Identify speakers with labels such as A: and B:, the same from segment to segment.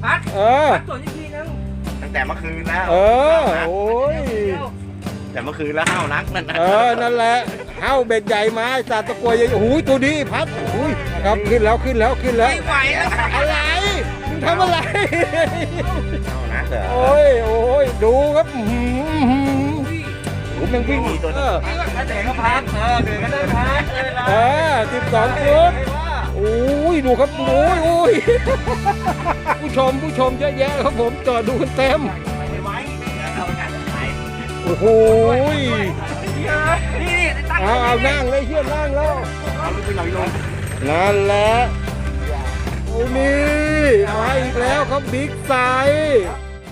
A: พัด
B: ส่วนอีกทีนึง
A: ตั้งแต่เมื่อคืนแล้ว
C: โอ้ย
A: แต่เมื่อคืนแล้วห้าวนักนั่นนะ
C: นั่นแหละห้าวเบ็ดใหญ่มาสาตะกัวใหญ่โอ้ยตัวนี้พัดโอ้ยครับขึ้นแล้วไม่
B: ไหวแล้ว
C: อะไรมึงทำอะไร
A: ห้าวนักเหรอ
C: โอ้ยดูครับผมยังวิ่ง
A: นี่ตัวนี้ถ้าเด็กก็พักเด็กก็ได้พัก
C: 12ฟุตโอ้ยดูครับโอ้ยผู้ชมเยอะแยะครับผมจอดดูกันเต็มโอ้โห
B: นี่
C: เอานั่งเลยเฮียนั่งแล้วนั่นแหละโอ้นี่มาอีกแล้วครับบิ๊กไซส์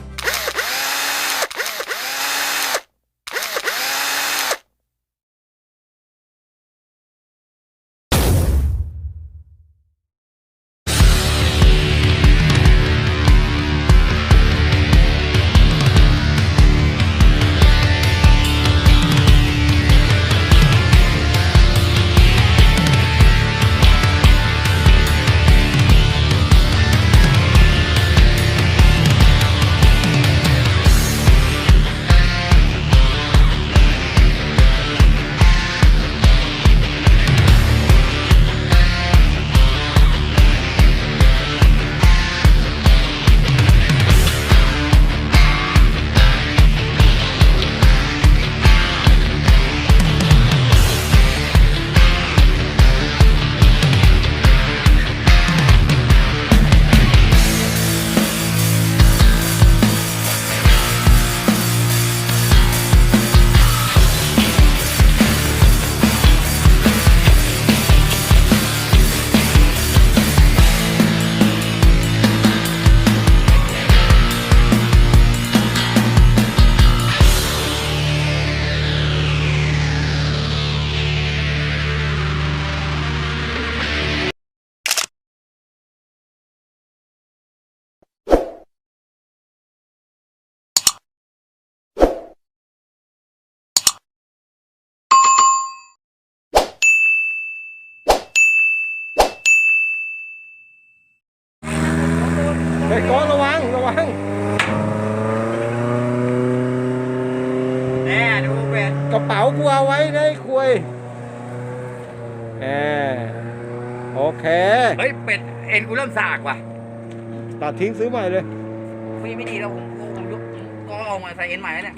C: ไปก้อนระวัง
B: แน่ดูเป็ด
C: กระเป๋ากูเอาไว้ได้คุยโอเค
B: เฮ้ยเป็ดเอ็นกูเริ่มสากว่ะ
C: ตัดทิ้งซื้อใหม่เลย
B: ไม่ดีแล้วผมยกก็เอามาใส่เอ็นใหม่เนี่ย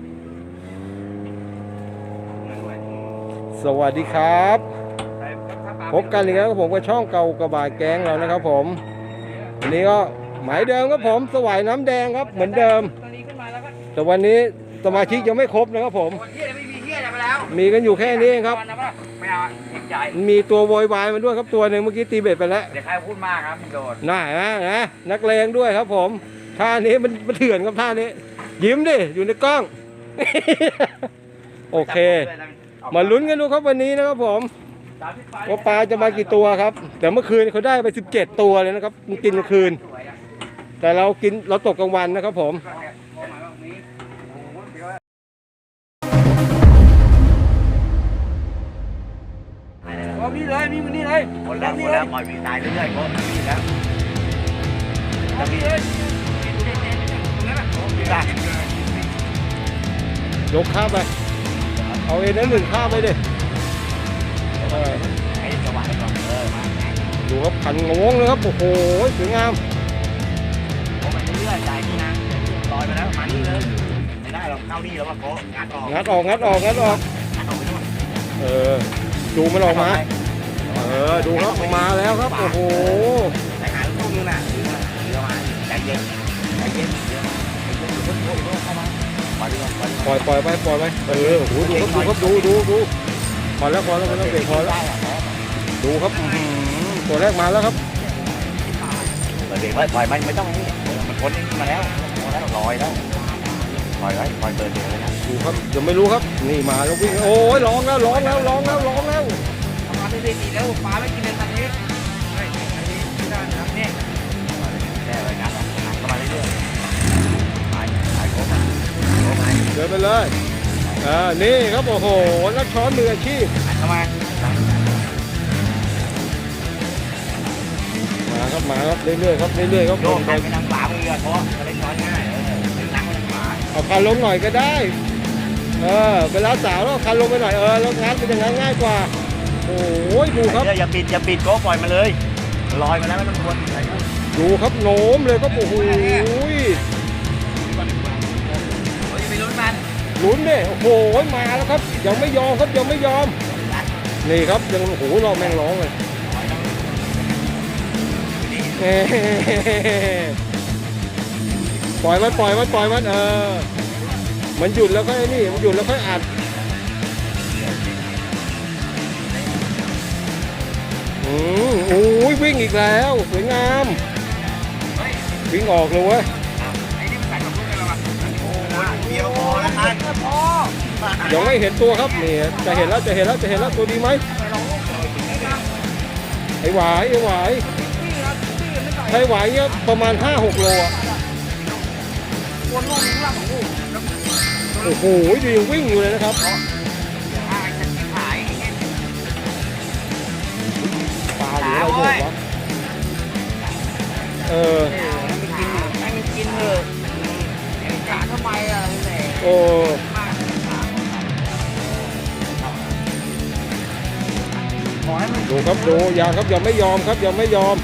C: สวัสดีครับพบกันอีกแล้วผมกับช่องเก่ากระบะแก๊งเรานะครับผมวันนี้ก็หมายเดิมครับผมสวายน้ำแดงครับเหมือนเดิมแต่วันนี้สมาชิกยังไม่ครบนะครับผมมีกันอยู่แค่นี้เองครับมีตัวโวยวายมาด้วยครับตัวหนึ่งเมื่อกี้ตีเบ็ดไปแล้ว
B: เดี๋ยวใครพูดมากครับโดน
C: น่านะนักเลงด้วยครับผมท่านี้มันเถื่อนครับท่านี้ยิ้มดิอยู่ในกล้องโอเคมาลุ้นกันดูครับวันนี้นะครับผมว่าปลาจะมากี่ตัวครับแต่เมื่อคืนเขาได้ไป17ตัวเลยนะครับมันกินกลางคืนแต่เราตกกลางวันนะครับผม
B: นี่เลยมีมันนี่เลย
A: หมดแล้วปล่อยวิ่งตายเรื่อยๆก็วิ่งแล้ว
B: นี่เลย
C: ยกข้ามไปเอาเอ็นนั้น1ข้ามไปดิ
A: ให้จังหวะก่อน
C: ดูครับขันงงเลยครับโอ้โหสวยงาม
A: ผมไปเรื่อยๆใจนี่นะลอยมาแล้วมานี่เลยไม่ได้หรอกเข้านี่แล้วว่าโค้งัดออก
C: ไปนู่นดูมันออกมาดูครับออกมาแล้วครับโอ้โห
A: แต่หาลูกนึงน่ะเดี๋ยวมาใจเย็นเข้ามาปล่อย
C: ไปโอ้โหดูครับดูพอแล้วเบรกพอแล้วดูครับตัวแรกมาแล้วครับ
A: เบรกไว้ปล่อยไม่ต้องนี่มันพ้นมาแล้วลอยแล้วปล่อยเดินเลยนะ
C: ดูครับยังไม่รู้ครับนี่มาแล้ววิ่งโอ้ยร้องแล้ว
B: มาดีแล้วปลาไม่กินเลยทันนี้ไม่ได้นะนี่
A: แค่เลยงัดเข้ามาเรื่อยๆไปโค้ง
C: เดินไปเลยนี่ครับโอ้โหนักช้อนมืออาชีพ
A: เข้ามา
C: ครับเรื่อยๆครับ
A: โยกไปนั่งเปล่าชือกเพราะว่าเล่นช้อนง่ายนั่งเล่นขวา
C: เอาคันลงหน่อยก็ได้เวลาสาวแล้วเอาคันลงไปหน่อยแล้วงานเป็นอย่างนั้นง่ายกว่าโอ้ยดูครับ
A: อย่าปิดโก้ปล่อยมาเลยลอยมาแล้วไม่ต้องกลัว
C: ดูครับโน้มเลยก็โอ้โห
A: ไปลุ้นมัน
C: ลุ้นเนี่ยโอ้โหมาแล้วครับยังไม่ยอมครับยังไม่ยอมนี่ครับยังโอ้โหเราแม่งร้องเลยปล่อยมันมันหยุดแล้วค่อยนี่มันหยุดแล้วค่อยอัดโอ้ยวิ่งอีกแล้วสวยงามวิ่งออกเลยเว้ย
B: ไอ้นี่มันใส่กับลูกได้แล้ววะ
A: เดียวพอแล้วท่าน
C: ยังไม่เห็นตัวครับนี่จะเห็นแล้วตัวดีไหมไอ้หวายไอ้หวายเนี่ยประมาณ 5-6 โลอ่ะ
B: วนลูกนี้ล่างของลูก
C: โอ้โหดูยังวิ่งอยู่เลยนะครับ
B: จะขาย
C: ปลาหรืออะไรหมดวะ
B: ให้มันกินเถอะกะทำไมอ่ะแหละ
C: โอ้ดูครับดูยังไม่ยอมครับยังไม่ยอม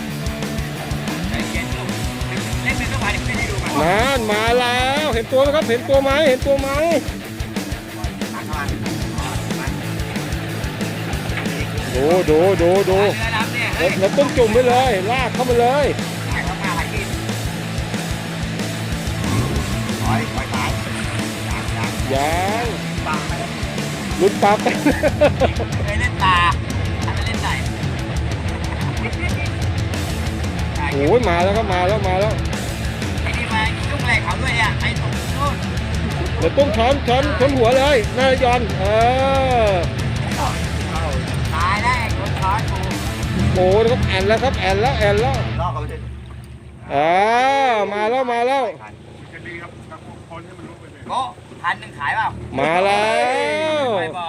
B: เล่นเป็นสบายเดี๋ยวไม่ได้ดูมัน
C: นานมาแล้วเห็นตัวไหมครับเห็นตัวไหมดูแล้วต้องจุ่มไปเลยลากเข้ามาเลย
B: ขายเข้ามาหากิน
A: ปล่อยตาย
C: ยังลุ้นปลาไป
B: เคยเล่นตาถ้าไม่เล่นไหน
C: โอ้ยมาแล้วครับมาแล้ว
B: ไอ้นี่มายุ่งอะไรเขาด้วยอ่ะไอ้ตรงนู้น
C: เดี๋ยวต้องช้อนหัวเลยน่ายอน
B: ตายได้คนช้อนกู
C: โอ้ยครับแอนแล้ว
A: ลอกเขาไป
C: มาแล้ว
B: โก้1,000ขายเปล่า
C: มาแล้ว
B: ไปบอ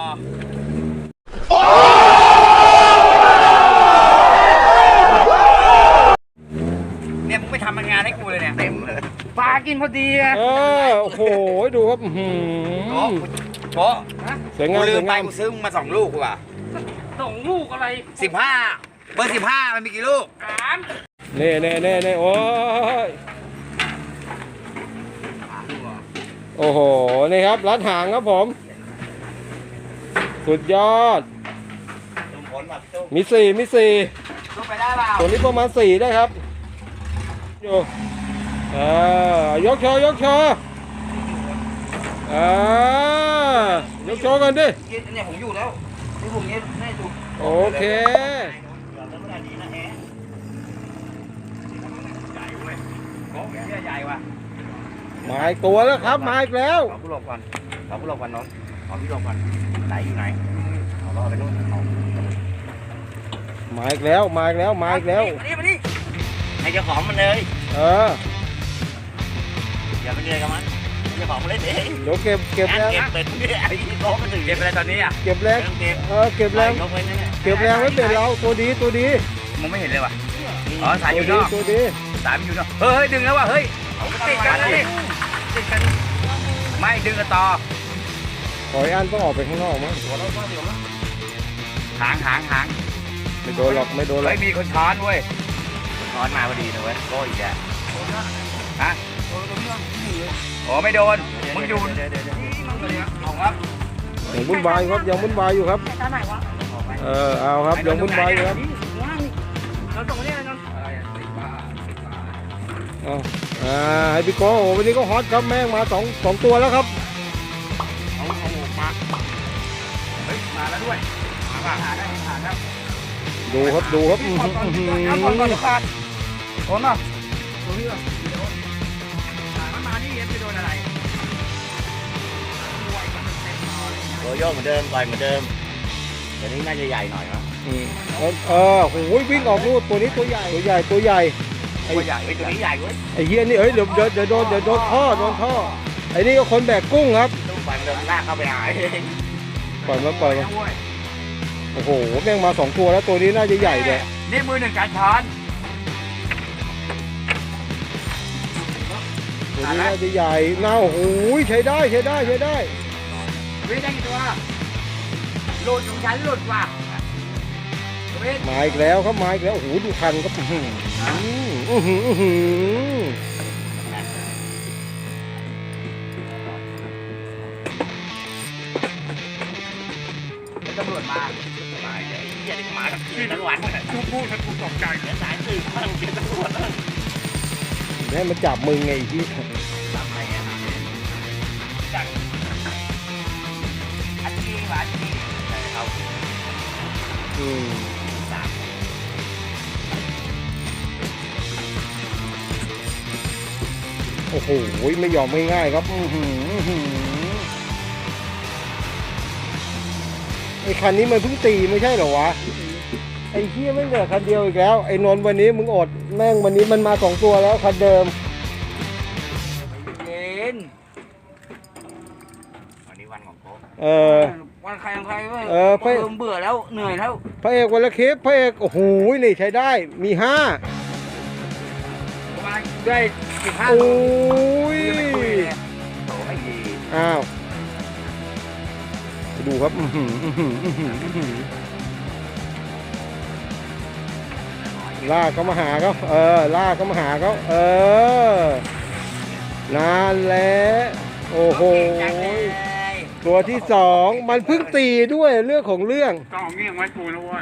B: เนี่ยมึงไปทำงานให้กูเลยเนี่ย
A: เต็มเลย
B: ปลากินพอดีอ่ะ
C: โอ้โหดูครับ
A: โป๊ะ
C: สวยงาม
A: กูลืมไปกูซื้อมา2 ลูกกูว่ะ
B: ส่งลูกอะไร
A: 15เบอร์15มันมีกี่ลูก
C: เน่โอ้ยโอ้โหนี่ครับรัดหางครับผมสุดยอดมี4
B: ลูกไปได้เปล่า
C: ตัวนี้ประมาณ4ได้ครับอยู่ยกโชว์ยกโชว์กันดิ
B: เนี่ยผมอยู่แล้วที่ผมเนี่ยได้ถูก
C: โอเค
B: ใหญ่ว่ะ
C: มาอีกตัวแล้วครับมาอีกแล้ว
A: ขอผู้ลงก่อนน้องขอพี่ลงก่อนไหนอยู่ไหนเอาล่อไปนู่น
C: มาอีกแล้ว
B: มาดิ
A: ให้เจ้าของมันเลย อย่าไปเหนื่อยกับมันเจ้าของมันเล่นเอง
C: เดี๋ยวเก็บแรง
A: เก็บเป็นเนี่ยไอ้ที่โต๊ะมันถึง
B: เก็บอะไรตอนนี้อ่ะ
C: เก็บแรง
A: เก็บ
C: เก็บแรง
A: ยกไว้นั่นแหละ
C: เก็บแรงไว้เป็นเราตัวดี
B: มึงไม่เห็นเลยว่ะอ๋อสายอยู่นอก
C: ตัวดี
B: สายมันอยู่นอกเฮ้ยดึงแล้วว่ะเฮ้ยติดกันเลยติดกันไม่ดึงกันต่อ
C: ขออันต้องออกไปข้างนอกมั้ง
B: หาง
C: ไม่โดนหรอก
B: เฮ้ยมีคนช้อนเว้ย
A: ช้อนมาพอดีนะเว้ยโก้อีกแล้ว
B: ฮะโอ้ไม่โดนมึงอยู่ เอาครับ
C: ยังวุ่นวายครับยังวุ่นวายอยู่ครับเอาครับยังวุ่นวายอยู่ครับ
B: เราส่งมาเนี่ยนน
C: ให้พี่โก้วันนี้ก็ฮอตครับแม่งมาสองตัวแล้วครับ
B: เอามาเฮ้ยมาแล้วด้วยมาหาได้หาครับ
C: ดูครับ
B: เอาก่อนขาดโอนมาตรงนี้ป่ะมันมาที่ไปโดนอะไร
A: โยโย่เหมือนเดิมต่อยเหมือนเดิมแต่นี้น่าจะใหญ่หน่อยมั้ง
C: โหวิ่งออกลูกตัวนี้ตัวใหญ่ตัวใหญ่
A: ตัวใหญ่ตัวนี้ใหญ่เว้ย
C: ไอ้เหี้ยนี่เดี๋ยวโดนท่อไอ้นี่ก็คนแบกกุ้งครับ
A: ลูกไฟมันเดินลากเข้าไปหาย
C: ปล่อยมาโอ้โหแม่งมา2 ตัวแล้วตัวนี้น่าจะใหญ่เลย
B: นี่มือหนึ่งการช้อน
C: นี้น่าจะใหญ่น่าโอ้โหใช้ได้ใช้ได้ใช้ได้
B: วิ่งได้กี่ตัวหลุดของฉันหลุดว่ะวิ่ง
C: มาอีกแล้วครับมาอีกแล้วโอ้โหดูคันครับอื้อหืออื้อหืออื้อหือ
B: ตำรวจมา
A: มาไอ้เหี้ยนี่มากับที่ทั้งวันกูพูดกูตกใจเหมือนสายสืบข้างเป็นตำรวจเลย
C: ให้มันจับมึงไงที่
A: ทำไมอ่ะจังอันนี้หวานนี่ใช่ครับ
C: อืม
A: สาม
C: โอ้โหไม่ยอมไม่ง่ายครับอื้อหืออื้อหือไอ้คันนี้มันเพิ่งตีไม่ใช่เหรอวะไอ้เหี้ยไม่เหลือคันเดียวอีกแล้วไอ้นนท์วันนี้มึงอดแม่งวันนี้มันมา2ตัวแล้วคันเดิม
B: เย็น
A: วันนี้วันของโค้ก
B: วันใครของใครเว้ย
C: ไป
B: เบื่อแล้วเหนื่อยแล้ว
C: พระเอกวันละคลิปพระเอกโอ้โหนี่ใช้ได้มี5
B: ประมาณได้15
C: โอ้
B: ตัวย ยังไม่คุยเลย
A: โตไม่ดี
C: อ้าวดูครับอื้อหืออื้อหืออื้อหืออื้อหือลากเขามาหาเขาลากเขามาหาเขานานแล้วโอ้โห
B: จังเลย
C: ตัวที่2มันเพิ่งตีด้วยเรื่องของเรื่อง
B: ต้องเอาเงี้ยงไว้กูนะเว้ย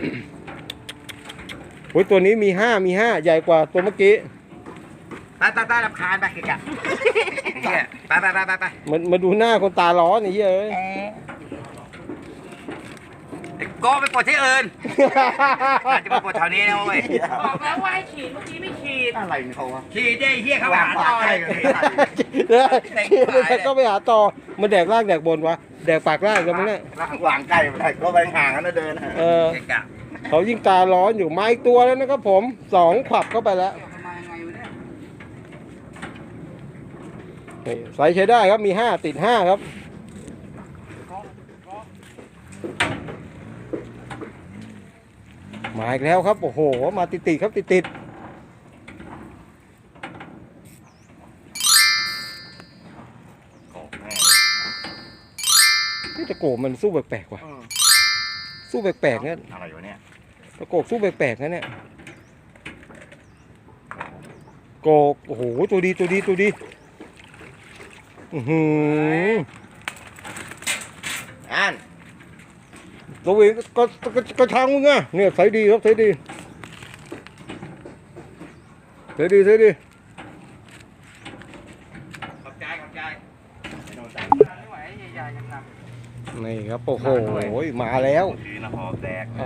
C: โอ้ยตัวนี้มี5ใหญ่กว่าตัวเมื่อกี้
B: ไปรำคาญไปเกะเนี่ยไป
C: มันมาดูหน้าคนตาร้อนไอ้เหี้ยเอ้ย
B: ก็ไปปลดที่อื่นจะมาปลดแถวนี้นะเว้ย
D: บอกแล้วว่าให้ฉีดเมื่อกี้ไม่ฉีด
A: อะไรเขาวะ
B: ขี่ได้เฮียเข้าหาต่อเลย
C: ก็ไปหาต่อมันแดกล่างแดกบนวะแดกปากล่างกันมั้งเนี่ย
A: วางใกล้ไปก็ไปห่างกันนะเดิน
B: เกะกะ
C: เขายิ่งตาร้อนอยู่มาอีกตัวแล้วนะครับผม2ขวับเข้าไปแล้ว
B: มายังไงวะเนี่ย
C: นี่ไซส์ใช้ได้ครับมี5ติด5ครับมาอีกแล้วครับโอ้โหมาติดๆครับติดๆ
A: โกแม่
C: นี่ตะโกมันสู้แปลกๆว่ะสู้แปลกๆเนี่ย
A: อะไรวะเนี่ย
C: ตะโกสู้แปลกๆนะเนี่ยโกโอ้โหตัวดีอือหือ
A: อัน
C: ตัวเองก็ทางมึงอ่ะเนี่ยใส่ดีครับใส่ดี
B: ขอบใจไม่ไหวใหญ่ๆยังหนัก
C: นี่ครับโอ้โหมาแล้ว
A: ดีนะหอบแดก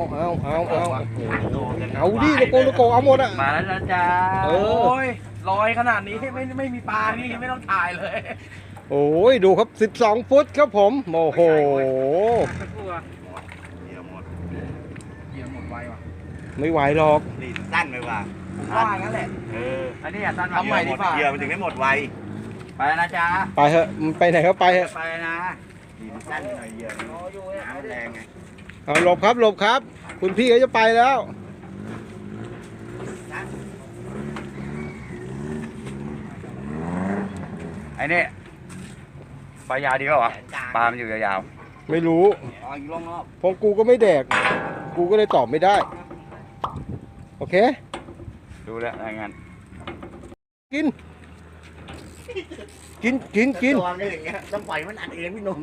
C: เอาดิตะโกเอาหมดอ่ะ
B: มาแล้วนะจ๊ะ
C: เออ
B: โอ้ยลอยขนาดนี้ไม่มีปลานี่ไม่ต้องถ่ายเลย
C: โอ้ยดูครับ12 ฟุตครับผมโอ้โห
B: สักครู่อะ
A: เดี๋ยวหมด
B: เหยียบหมดไวว่ะ
C: ไม่ไหวหรอก
A: นี่สั้นไปว่ะ
B: ผมว่างั้นแหละ อันนี้อย่าสั้นทำใหม่ดีกว่า
A: เหยื่อมันถึงได้หมดไว
B: ไปนะจ๊ะ
C: ไปเถอะมันไปไหนก็ไปเถอะ
B: ไปนะ
A: นี่มันสั้นหน่อยเหยื่อน้ำแรงไง
C: เอาหลบครับ คุณพี่เขาจะไปแล้ว
B: ไอ้นี่ปลายาวดีกว่าวะปลามันอยู่ยาว
C: ไม่รู้
B: ๆอ๋ออยู่รอบ
C: เพราะกูก็ไม่แดก กูก็เลยตอบไม่ได้ โอเค
B: ๆดูแล้วรายงาน
C: กิน
A: ตัวนี่อย่างเงี้ยต้องปล่อยมันอัดเองพี่หนุ่ม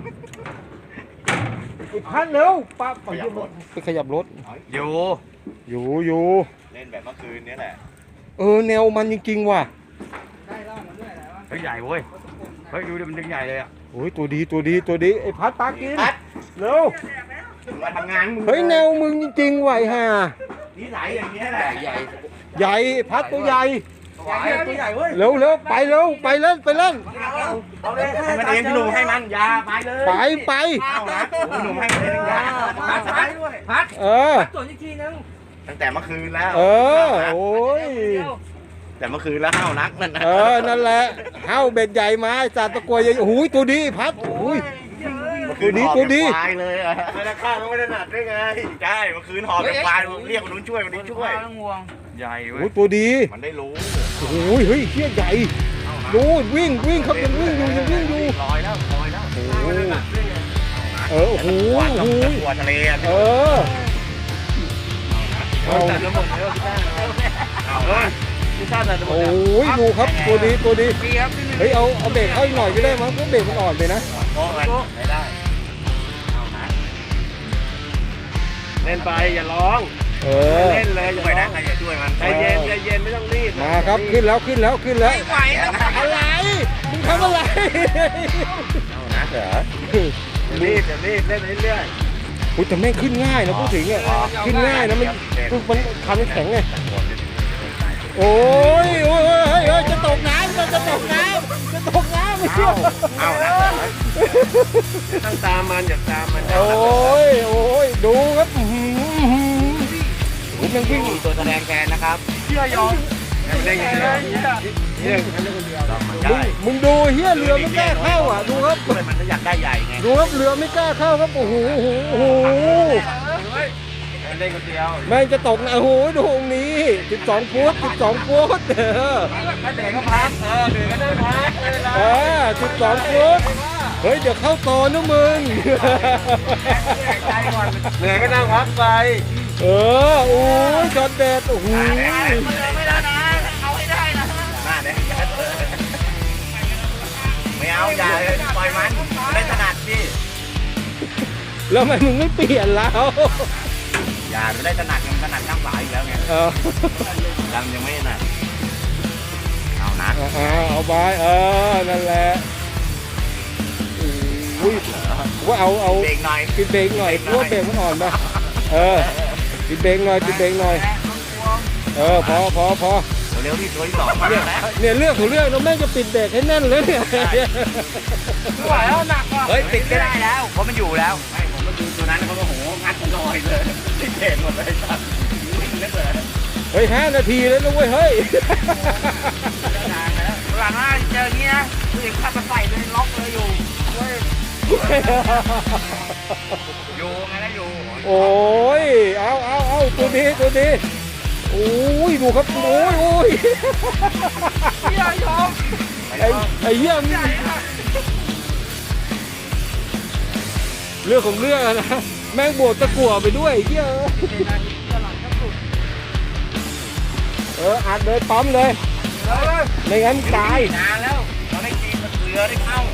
C: อีกพันเร็วป้าไป
A: ขยับรถ
C: ไปขยับรถ
B: อยู่
C: อยู่
A: เล่นแบบเมื่อคืนนี้แหละ
C: แนวมันจริงๆว่ะ
B: เฮ้ยใหญ่เว้ยเฮ้ยดูดิมันดึงใหญ่เลยอ่ะ
C: โอ้ยตัวดีไอ้พัดปลากิน
A: พัด
C: เร็ว
A: มาทำงานมึง
C: เฮ้ยแนวมึงจริงๆว่ะไอ้ห่า
A: นิสัยอย่างเงี้ยแหละ
B: ใหญ่
C: ใหญ่พัดตัวใหญ่
B: ตัวใหญ่เว้ย
C: เร็วไปเล่น
B: เอาเลย
A: ให้มันเองพี่หนุ่มให้มันยาไปเลย
C: ไป
A: เอานะพี่หนุ่มให้มันเองยา
B: พัดด้วยพัด
D: ตรวจอีกทีนึง
A: ตั้งแต่เมื่อคืนแล้ว
C: โอ้ย
A: แต่เมื่อคืนแล้วห้าวนักนั่นนะ
C: นั่นแหละเฮ้าเบ็ดใหญ่มาจานตะกรวยใหญ่โอ้ยตัวดีพัดโอ้ย
A: เมื่อคืน
C: ตัวดี
A: หอบเป็นควายเลยอะไม่ได้ข้าวไม่ได้หนักได้ไงใช่เมื่อคืนหอบเป็นควายเรียกคนนู้นช่วยคนนี้ช่วย
B: ต้องห่วงใหญ่เว้
C: โอ้
B: ย
C: ยตัวดี
A: มันได้รู้
C: โอ้ยเฮ้ยเชี่ยใหญ่
A: เอา
C: ดูวิ่งครับยังวิ่งอยู่
A: ลอยแล้วลอยแล้ว
C: โอ้โหโอ้โห
A: หัวทะเลอ่ะ
C: เออเอา
B: ตัดระบบแล้วพี่ต้าตัดระบบ
C: โอ้ยดูครับตัวดี
B: ปีครับ
C: เฮ้ยเอาเบรกเข้าอีกหน่อยก็ได้มั้งเพราะเบรกมันอ่อนไปนะ
A: โอ้ยไม่ได้เอานะ
B: เล่นไปอย่าร้อง
C: เออ
B: เล่นเลยอย่า
A: ช่วย
B: ร้
A: นะ
B: อง
A: ใครจะช่วยมัน
B: ใจเย็นไม่ต้องรีบ
C: มาครับขึ้นแล้ว
D: ไม่ไหวแล้ว
C: อะไรมึงทำอะไร
A: เอานะเหรอ
B: รีบเล่นเรื่อย
C: อุ้ยแต่แม่งขึ้นง่ายนะพูดถึงอ่ะขึ้นง่ายนะมันคันแข็งไงโอ้ยจะตกน้ำจะตกน้ำไม่เชื่อ
A: เอานะ
B: ๆต้องตามมันอย่าตามมัน
C: โอ้ยดูครับผมยังวิ่ง
A: มีตัวแสดงแทนนะครับ
B: เชื่อยอมเล่นอย่างเดียว
C: มึงดูเฮียเรือไม่กล้าเข้าอ่ะดูครับ
A: ช่วยมันถ้าอยากได้ใหญ่ไง
C: ดูครับเรือไม่กล้าเข้าครับโอ้โห
B: เล่นคนเดียว
C: แม่งจะตกนะโอ้โหดูตรงนี้12 ฟุต
B: ถ้าเด็กก็พักเด็กก็ได้พัก
C: 12 ฟุตเฮ้ยเดี๋ยวเข้าตอนนะมึง
B: ใจก่อนเหนื่อยก็นั่งพักไป
C: โอ้ยจอดแดดโอ้โห
D: ไม่แล้วนะเอาให้ได้นะ
A: หน้าเนี่ยไม่เอาอย่าเลยปล่อยมันไม่ถนัดพี่
C: แล้วทำไมมึงไม่เปลี่ยนแล้ว
A: อย่าไม่ได้ถนัดยังถนัดข้างขวาอีกแล้วไงยังไม่ถนัดเอานะ
C: เอาไปนั่นแหละอุ้ยว่าเอา
A: เบรกหน่อย
C: ปิดเบรกหน่อยเพราะว่าเบรกมันอ่อนไปปิดเบรกหน่อยพอ
A: เร็วที่ตัวที่สองมาแล้ว
C: เนี่ยเรื่องของเรื่องเราแม่งจะปิดเบรกให้แน่นเลยเนี่ย
D: ไม่ไหวแล้วหนักว่ะ
A: เฮ้ยปิดก็ได้แล้วเพราะมันอยู่แล้วไม่ผมก็ดูตัวนั้นเขาก็โหงัดลอยเลยที่เบรกหมดเลยครับนึกเลย
C: เฮ้ย5 นาทีแล้วนะเว้ยเฮ้ย
D: หลังว่าเจออย่างนี้นะผู้หญิงขับมาใส่เลยล็อกเลยอยู่
A: อยู่ไงนะอยู่
C: โอ้ยเอาตัวดีโอ้ยดูครับโอ้ย
D: เฮียยอม
C: ไอ้เหี้ยนี่เรื่องของเรื่องนะแม่งบวกตะกั่วไปด้วยไอ้เหี้ยอัดเลยปั๊มเลยไม่งั้นตาย
A: นานแล้วเราได้กินเรือได้เข้า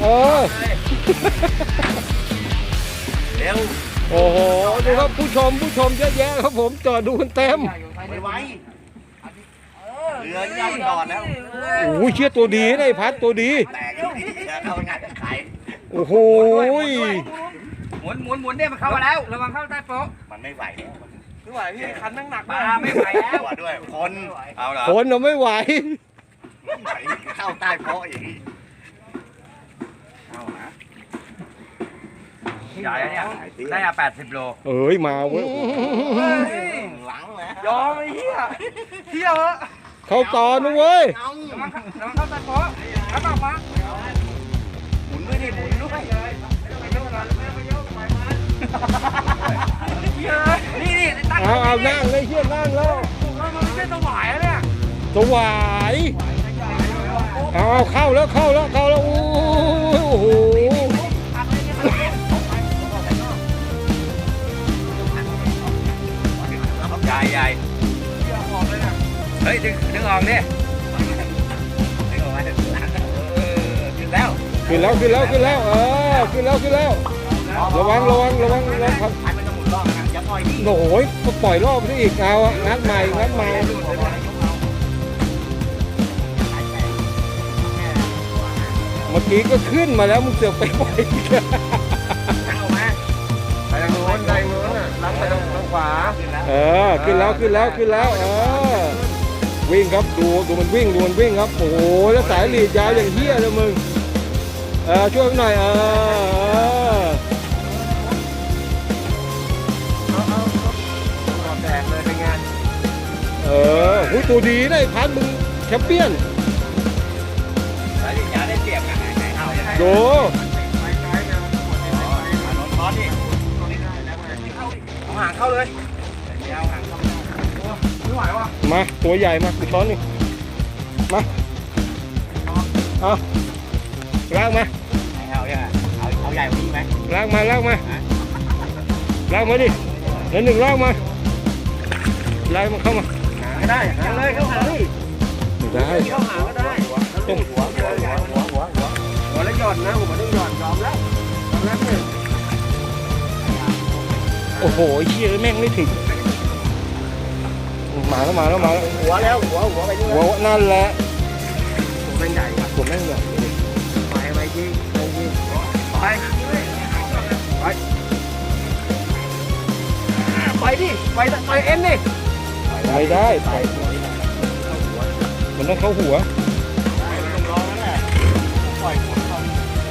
A: เร็ว
C: โอ้โหดูครับผู้ชมเยอะแยะครับผมจอดดูกันเต็ม
A: ไปไว้เรือยังไม่จอดแล้ว
C: โอ้ยเชี่ยตัวดีนะไอ้พัดตัวดี
A: แตกแล้วเอางานจะขาย
C: โอ้โห
D: หมุนเนี่ยมันเข้ามาแล้วระวังเข้าใต้โป๊ะ
A: มันไม่ไหวแล้ว
B: ไม่ไหวพี่คันนั่งหนัก
D: ปลาไม่ไหวแล้ว
A: ตัวด้วยคนเอาเหรอ
C: คนเราไม่ไหว
A: เข้าใต้โป๊ะอย่างนี้เอานะ
D: ใหญ่เนี่ยได้80 โล
C: เอ้ยมาเว้ย
A: หลังแล้ว
B: ยอมไอ้เหี้ยเที่ยวเหอะ
C: เข้าตอนนะเว้ย
D: ระวังเข้าใต้โป๊ะแล้วออกมา
A: หมุนด้วยดิหมุนด้วย
D: นี่ตั้ง
C: เอานั่งเลยเชี่ยนั่งแล้ว
D: มันไม่ใช่ตัวหวายแล้วเนี่ย
C: สวายเอาเข้าแล้วโอ้โห
A: ใหญ่เฮ้ยดึงออกดิดึงออกมาขึ้นแล้ว
C: ขึ้นแล้วขึ้นแล้วขึ้นแล้วระวังครับ
A: ให้มันจะหมุนรอบนะอย่าปล่อยดิ
C: โอ้ยก็ปล่อยรอบนี้อีกเอาอะงัดใหม่เมื่อกี้ก็ขึ้นมาแล้วมึงเสือกไปปล่อยอีก
A: เอามา
B: ไปทางโน้นอ่ะล้างไปทางขวา
C: ขึ้นแล้ววิ่งครับดูมันวิ่งครับโอ้โหแล้วสายหลีดยาวอย่างเหี้ยเลยมึงช่วยหน่อย
B: แตกเลยเป็นไง
C: หูตัวดีนะไอ้พันมึงแชมเปี้ยน
A: สายยาได้เปรียบกันไหนเอายังไง
C: ดู
A: นอนคอดิเอาหางเข้าเลยเอาหางเข้า
B: ไม่ไหวว่ะ
C: มาตัวใหญ่มากูช้อนนี่มาเอาลากมา
A: เอายังไงเอาใหญ่กว่านี้ไหม
C: ลากมาลากมาลากมาดิแล้วหนึ่งลากมาลากมันเข้ามา
B: ไม่ได้หาเลยเข้าหาดิ
C: ไม่ได้
B: เข้าหาก็ได้ต้องหัวแล้วหย่อนนะผมต้องหย่อนยอมแล้วยอมแล้วเนี่ย
C: โอ้โหเชี่ยแม่งไม่ถึงมาแล้ว
B: หัวแล้วหัวไปด้วย
C: หัวนั่นแหละ
B: ผมเป็นใหญ่ครับ
C: ตัวแม่งเนี่ย
B: ไปยิงไปดิไปเอ็นดิ
C: ไม่ได้ไปมันต้องเข้าหัว
A: ต้องร้องนั่นแหละปล่อยหัวเขา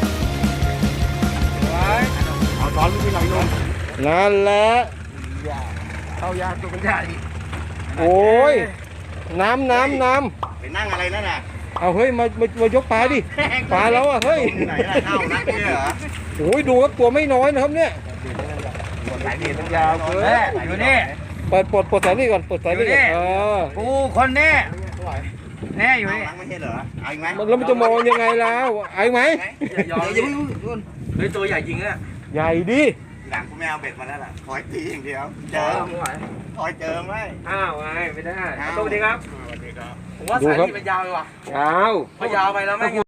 A: เอาตอนไม่ไหลลง
C: นั่นแหละ
B: เข้ายาตัวเป็นใหญ่
C: โอ้ยน้ำ
A: ไปนั่งอะไรนั่นน่ะ
C: เอาเฮ้ยมายกปลาดิปลาแล้วอ่ะเฮ้ย
A: ไหนล่ะเข้านักเนี่ยเหรอ
C: โอ้ยดูครับตัวไม่น้อยนะครับเนี่ย
A: ไหนดีต้อง
B: ยาวเกินอยู่นี่
C: เปิดปลดสายนี่ก่อนปลดสายนี่ก่อน
B: กูคนนี้แน่อยู่นี่
A: นักไม่ใช่เหรอเอาอีกไหม
C: แล้วมันจะมองยังไงแล้วไอ้ไหม
B: อย่ายุ่งเฮ้ยตัวใหญ่จริงอ่ะ
C: ใหญ่ดิ
A: หลังกูไม่เอาเบ็ดมาแล้วล่ะคอยตีอย่างเดียวเจอคอยเจอไหม
B: อ้าวไงไม่ได้สวัสดีครับ
A: สวัสดีครับ
B: ผมว่าสายนี่มันยาวเลยว่ะ
C: ยาว
B: พอยาวไปแล้วแม่ง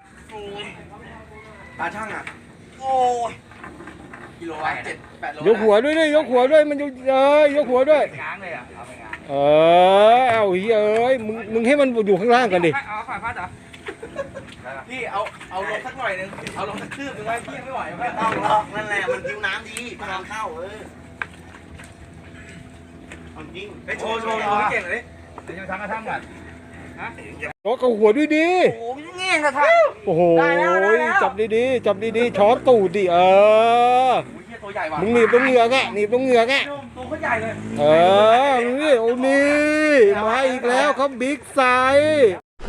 B: ตาช่างอ่ะ
A: โอ้ย
B: กิโลละ7-8 โล
C: ยกหัวด้วยดิยกหัวด้วยมันยกหัวด้วย
B: ง้างเลยอ่ะเอาไปง้าง
C: เอาเฮ้ยมึงให้มันอยู่ข้างล่างกันดิ
B: เอาฝ่ายพัดเหรอพี่เอาลงสักหน่อยนึงเอาลงสักคืบนึงไว้พี่ไม่ไหว
A: ไม่ต้องหรอกนั่นแหละมันคิวน้ำดีพลังเข้าจริง
B: ไปโชว์เก่งเลยเดี๋ยวจะทำกระทั่งก่อน
C: ยกเอาหัวด้วยดิ
B: โอ้ยเงี้ยกระทั่ง
C: โอ้โห
B: ได้แล้ว
C: จับดีๆช้อนตูดดิ
B: โอ้ยตัวใหญ่ว่ะ
C: มึงหนีบตรงเหงือกแกตัวเขาใหญ่เลยนี่โอ้นี่มาอีกแล้วครับบิ๊กไซส์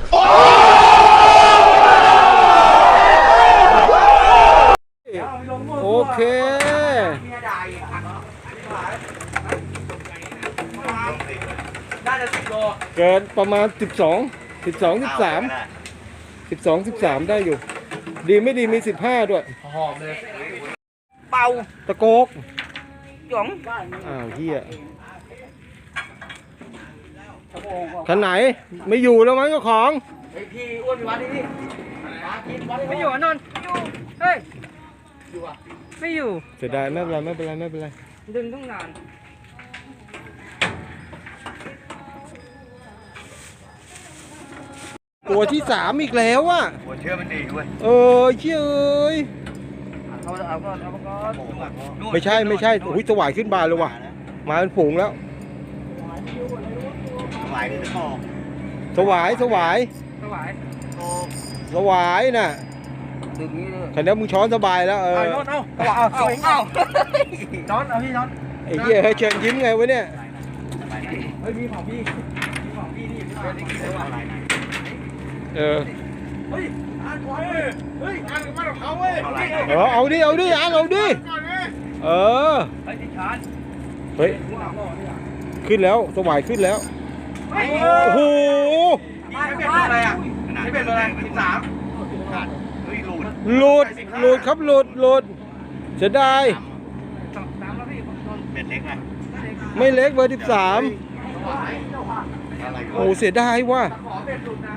C: โอเค
B: น่าจะ10 โล
C: เกินประมาณ12 13ได้อยู่ ดีไม่ดีมี15ด้วย
B: หอมเลยเป่า
C: ตะโกก
B: หยอง
C: อ้าวเฮียคันไหนไม่อยู่แล้วมั้งเจ้าของ
B: ไอพี่อ้วนไปวัดดิไม่อยู่นนท์อยู่เฮ้ยอยู่อ่ะไม่อยู่
C: เสียดายไม่เป็นไร
B: ดึงต้องนาน
C: ตัวที่3อีกแล้วอ่ะ
A: หัวเชื่อมันดีด้วย
C: เชื่อเอ้ย
B: เอาก่อน
C: ไม่ใช่อุ้ยสวายขึ้นบานเลยว่ะมาเป็นผงแล้ว
A: สวายนี่จะบอก
C: สวาย
B: สวาย
C: สวายน่ะ
B: ดึงนี้เลย
C: คันนี้มึงช้อนสบายแล้ว
B: เอานนท์เอาน้อนเอาพี่น้อน
C: ไอ้เหี้ยเฮ้ยเชิญยิ้มไงวะเนี่ย
B: เฮ้ยมีของพี่นี่ไม่ได้กินเลยว่ะ
C: เฮ้ย
B: อ่านมาของเขาเว้ย
C: เอาดิเอาดิเฮ้ย
B: ติดชาร์จ
C: เฮ้ยขึ้นแล้วสวายขึ้นแล้วโอ้โห
B: ไม่เป็นอะไรอ่ะไม่เป็นอะไร13
A: ขาดเฮ้ยหลุด
C: หลุดครับหลุดเสียดาย
B: 3แล้วพี่นนท์
A: เบ็ดเล็กไหม
C: ไม่เล็กเบอร์13
A: อะไร
C: โอ้เสียดายว่ะ
B: ขอเบ็ดหลุดนะ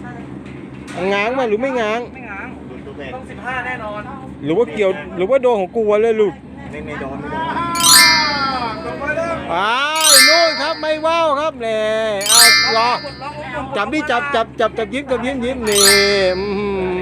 C: ง้างมาหรือไม่ง้าง
B: ไม่ง้าง
A: หลุดตัวเบ็ด
B: ต้อง15แน่นอน
C: หรือว่าเกี่ยวหรือว่าโดนของกูวะเลยหลุด
A: ไม่โดน
C: นู่นครับไม่ว่าวครับเนี่ยรอจับดิจับยิ้มนี่